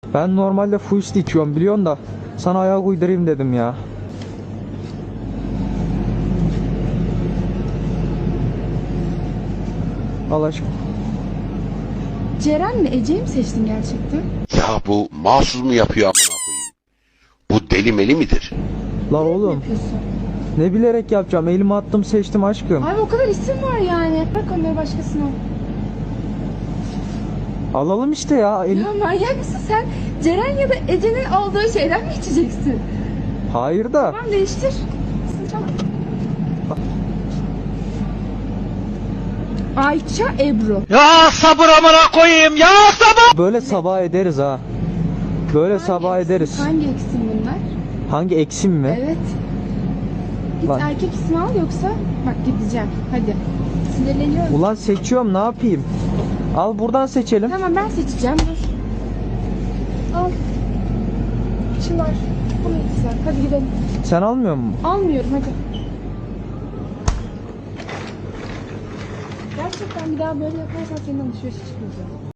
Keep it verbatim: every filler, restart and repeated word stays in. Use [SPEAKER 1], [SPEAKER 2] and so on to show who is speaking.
[SPEAKER 1] Ben normalde full içiyorum biliyorsun da sana ayak uydurayım dedim ya. Al aşkım.
[SPEAKER 2] Ceren mi Ece'yi mi seçtin gerçekten?
[SPEAKER 3] Ya bu mahsus mu yapıyor amına koyayım? Bu deli meli midir?
[SPEAKER 1] La
[SPEAKER 2] Ne
[SPEAKER 1] oğlum
[SPEAKER 2] yapıyorsun?
[SPEAKER 1] ne bilerek yapacağım, elimi attım seçtim aşkım.
[SPEAKER 2] Abi o kadar isim var yani. Bırak onları başkasına.
[SPEAKER 1] Alalım işte ya. El...
[SPEAKER 2] Ya manyak mısın sen? Ceren ya da Ece'nin aldığı şeyden mi içeceksin?
[SPEAKER 1] Hayır da.
[SPEAKER 2] Tamam değiştir. Tamam. Ayça Ebru.
[SPEAKER 4] Ya sabır amına koyayım ya sabır.
[SPEAKER 1] Böyle sabah ederiz ha. Böyle sabah
[SPEAKER 2] eksim-
[SPEAKER 1] ederiz.
[SPEAKER 2] Hangi eksim bunlar?
[SPEAKER 1] Hangi eksim mi?
[SPEAKER 2] Evet. Git
[SPEAKER 1] Lan.
[SPEAKER 2] erkek ismi al yoksa bak gideceğim. Hadi. Sinirleniyorum.
[SPEAKER 1] Ulan seçiyorum, ne yapayım? Al buradan seçelim.
[SPEAKER 2] Tamam ben seçeceğim dur. Al. Çınar. Bunu güzel. Hadi gidelim.
[SPEAKER 1] Sen almıyor musun?
[SPEAKER 2] Almıyorum hadi. Gerçekten bir daha böyle yaparsan senin alışverişe çıkmayacağım.